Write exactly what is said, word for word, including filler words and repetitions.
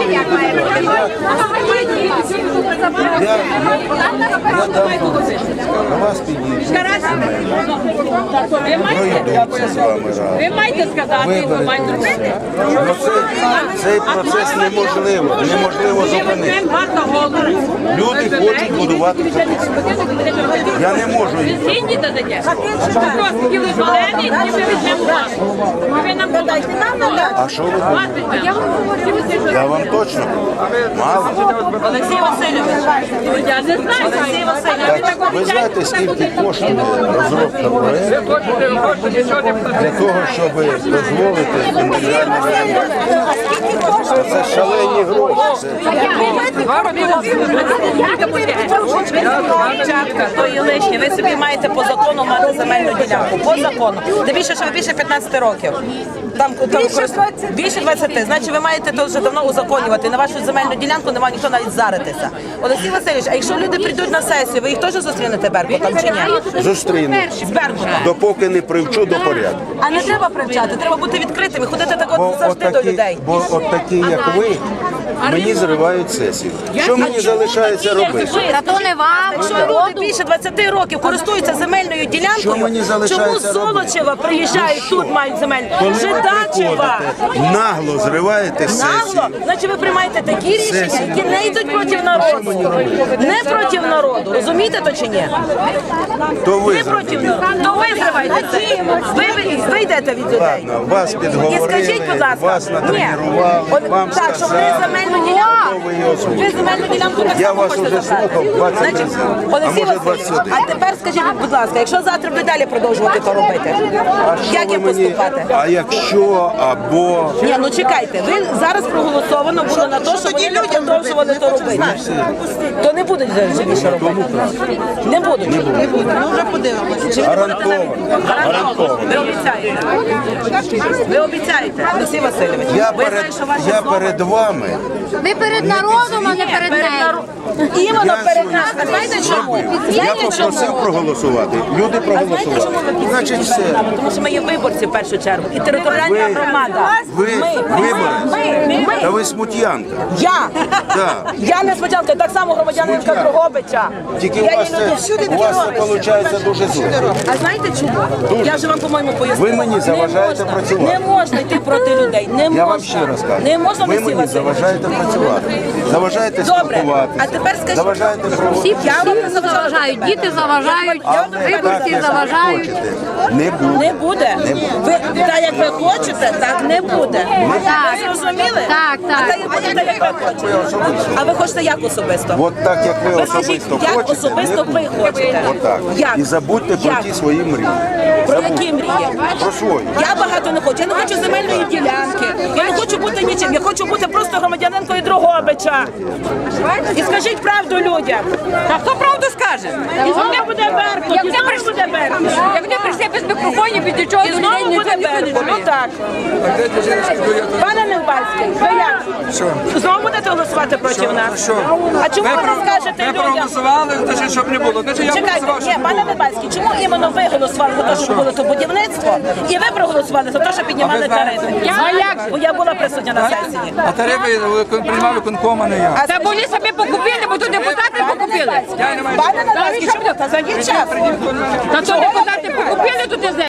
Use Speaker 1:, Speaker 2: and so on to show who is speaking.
Speaker 1: до вас підійду.
Speaker 2: Ви маєте сказати, ви маєте робити.
Speaker 1: Цей процес неможливо, неможливо зупинити. Люди хочуть будувати теплицю. Я не можу їх.
Speaker 2: Згідні дадете? Просто хотіли зелені, і ми візьмемо вас. Ви нам подайте.
Speaker 1: А що ви думаєте? Я вам точно мало.
Speaker 2: Олексій Васильович, я не знаю, Олексій Васильович.
Speaker 1: Так, ви знаєте, скільки коштує розробка проєкту для того, щоб дозволити індивідуальне реалізацію? Це шалені гроші.
Speaker 3: Дівчатка, то є лишнє. Ви собі маєте по закону мати земельну ділянку. По закону. Де більше, що ви більше п'ятнадцяти років. Там, там більше двадцяти. Значить, ви маєте то вже давно узаконювати. На вашу земельну ділянку немає ніхто навіть заритися. Олексій Васильович, а якщо люди прийдуть на сесію, ви їх теж зустрінете Беркутом чи ні?
Speaker 1: Зустріну.
Speaker 3: З Беркутом.
Speaker 1: Допоки не привчу до порядку.
Speaker 3: А не треба привчати, треба бути відкритими, ходити так
Speaker 1: Бо
Speaker 3: от завжди
Speaker 1: от
Speaker 3: до
Speaker 1: такі,
Speaker 3: людей.
Speaker 1: бо от такі, як ви, мені зривають сесію. Що мені залишається робити?
Speaker 4: Та то не вам,
Speaker 3: Якщо люди більше двадцяти років користуються земельною
Speaker 1: Що
Speaker 3: ділянкою,
Speaker 1: мені залишається
Speaker 3: чому з Золочева приїжджають тут, мають земельну?
Speaker 1: Коли ви
Speaker 3: Жидачева!
Speaker 1: приходите, нагло зриваєте сесію.
Speaker 3: Нагло? Значить, ви приймаєте такі рішення,
Speaker 1: Сесію.
Speaker 3: які не йдуть проти народу. Не проти народу. Розумієте то чи ні?
Speaker 1: То ви
Speaker 3: Не проти
Speaker 1: зробили.
Speaker 3: народу. То ви зриваєте це. Ви, ви, ви йдете від людей.
Speaker 1: Ладно, вас
Speaker 3: І
Speaker 1: підговорили,
Speaker 3: скажіть, будь ласка,
Speaker 1: вас
Speaker 3: ні,
Speaker 1: натренували,
Speaker 3: от
Speaker 1: вам
Speaker 3: так, щоб ви
Speaker 1: сказали,
Speaker 3: земельну ділянку,
Speaker 1: хто ви її озвучили.
Speaker 3: ви земельну ділянку так
Speaker 1: Я
Speaker 3: само
Speaker 1: вас
Speaker 3: хочете
Speaker 1: уже
Speaker 3: забрати.
Speaker 1: слухав двадцять
Speaker 3: Значить,
Speaker 1: разів, а
Speaker 3: Олексій
Speaker 1: може
Speaker 3: Васильович,
Speaker 1: двадцять один.
Speaker 3: а тепер скажіть, будь ласка, якщо завтра ви далі продовжувати то робити,
Speaker 1: Що
Speaker 3: як
Speaker 1: ви
Speaker 3: їм
Speaker 1: мені-
Speaker 3: поступати?
Speaker 1: А якщо або
Speaker 3: Ні, ну чекайте, ви зараз проголосовано було на те, щоб вони не продовжували то робити. То не будуть вже більше робити. Не будуть. Не будуть. Ну вже подивимося.
Speaker 1: гарантовано, гарантовано.
Speaker 3: Ви обіцяєте. Ви обіцяєте, Олексій Васильович.
Speaker 1: Я
Speaker 3: Ви
Speaker 1: перед,
Speaker 3: знаєте, що ваше
Speaker 1: я
Speaker 3: слово-
Speaker 1: перед вами.
Speaker 4: ви перед народом, а не перед
Speaker 3: Перед
Speaker 4: нею.
Speaker 3: народ- Іменно
Speaker 1: Я
Speaker 3: перед
Speaker 1: свою
Speaker 3: нас. А знаєте чому?
Speaker 1: Я
Speaker 3: Знаєте
Speaker 1: попросив
Speaker 3: чому?
Speaker 1: проголосувати. Люди
Speaker 3: А знаєте, чому
Speaker 1: проголосували.
Speaker 3: ви підтримуєте
Speaker 1: Значить, все.
Speaker 3: нами? Тому що ми є виборці в першу чергу. І територіальна
Speaker 1: Ви-
Speaker 3: громада.
Speaker 1: Ви
Speaker 3: Ми.
Speaker 1: виборець?
Speaker 3: Ми. Ми.
Speaker 1: Та ви смут'янка.
Speaker 3: Я.
Speaker 1: Так.
Speaker 3: Я не спочатку, так само громадянинка
Speaker 1: Смут'ян.
Speaker 3: Дрогобича.
Speaker 1: Тільки у
Speaker 3: Я
Speaker 1: вас
Speaker 3: є люди
Speaker 1: це,
Speaker 3: всюди
Speaker 1: у вас це
Speaker 3: Дрогобича.
Speaker 1: виходить дуже зле.
Speaker 3: А знаєте чому? Я вже вам, по-моєму, пояснила.
Speaker 1: Ви мені заважаєте
Speaker 3: Не можна.
Speaker 1: працювати.
Speaker 3: Не можна йти проти людей. Не
Speaker 1: Я
Speaker 3: можна.
Speaker 1: вам ще раз кажу.
Speaker 3: Не можна,
Speaker 1: Ви
Speaker 3: Олексій
Speaker 1: мені
Speaker 3: Васильович.
Speaker 1: заважаєте працювати. Заважаєте
Speaker 3: Добре.
Speaker 1: спілкуватися.
Speaker 3: А тепер скажіть.
Speaker 1: Заважаєте
Speaker 4: Всі,
Speaker 1: проводити.
Speaker 3: Я вам не
Speaker 4: всі
Speaker 3: заважаю
Speaker 4: заважають,
Speaker 3: тебе.
Speaker 4: діти заважають,
Speaker 3: Я вам
Speaker 4: виборці
Speaker 1: як
Speaker 4: заважають.
Speaker 1: хочете. Не буде.
Speaker 3: Не буде. Ви так як ви хочете, так не буде.
Speaker 4: Так.
Speaker 3: Ви зрозуміли?
Speaker 4: Так, так.
Speaker 3: А так як буде, так як ви хочете. А ви хочете як особисто?
Speaker 1: От так, як ви
Speaker 3: Ви скажіть,
Speaker 1: особисто
Speaker 3: як
Speaker 1: хочете,
Speaker 3: особисто
Speaker 1: не
Speaker 3: ви
Speaker 1: буде.
Speaker 3: хочете?
Speaker 1: Отак.
Speaker 3: Як?
Speaker 1: І забудьте про
Speaker 3: Як?
Speaker 1: ті свої мрії.
Speaker 3: Про
Speaker 1: Забудьте.
Speaker 3: які мрії?
Speaker 1: Про свої.
Speaker 3: Я багато не хочу. Я не хочу земельної ділянки. Я не хочу бути нічим. Я хочу бути просто громадянинкою Дрогобича. І скажіть правду людям.
Speaker 2: А хто правду скаже?
Speaker 3: І знову буде Беркут.
Speaker 2: Як
Speaker 3: І
Speaker 2: ти
Speaker 3: знову
Speaker 2: прийшли,
Speaker 3: буде Беркут.
Speaker 2: як ти прийшли без мікрофонів, без нічого,
Speaker 3: І
Speaker 2: до
Speaker 3: знову
Speaker 2: людей
Speaker 3: буде
Speaker 2: ніхто не
Speaker 3: Беркут. Ну
Speaker 2: чує.
Speaker 3: так. Пане Невбальський, ви як? Знову будете голосувати проти нас? А чому ви не скажете
Speaker 5: Ми
Speaker 3: людям?
Speaker 5: проголосували, значить, щоб не було. Значить, я
Speaker 3: Чекайте,
Speaker 5: проголосував,
Speaker 3: ні,
Speaker 5: щоб не
Speaker 3: пане
Speaker 5: було.
Speaker 3: Невбальський, чому іменно ви голосували за те, щоб було то будівництво, і ви проголосували за те, щоб піднімали
Speaker 5: А ви знаєте?
Speaker 3: тарифи? Я, бо я була присутня на сесії.
Speaker 5: А тарифи приймав виконком, а не я.
Speaker 3: А
Speaker 2: Та вони собі покупили, бо тут депутати покупили.
Speaker 5: Я не маю.
Speaker 3: Пане Невбальський, чому? Та зайдіть час.
Speaker 2: Та то депутати покупили тут і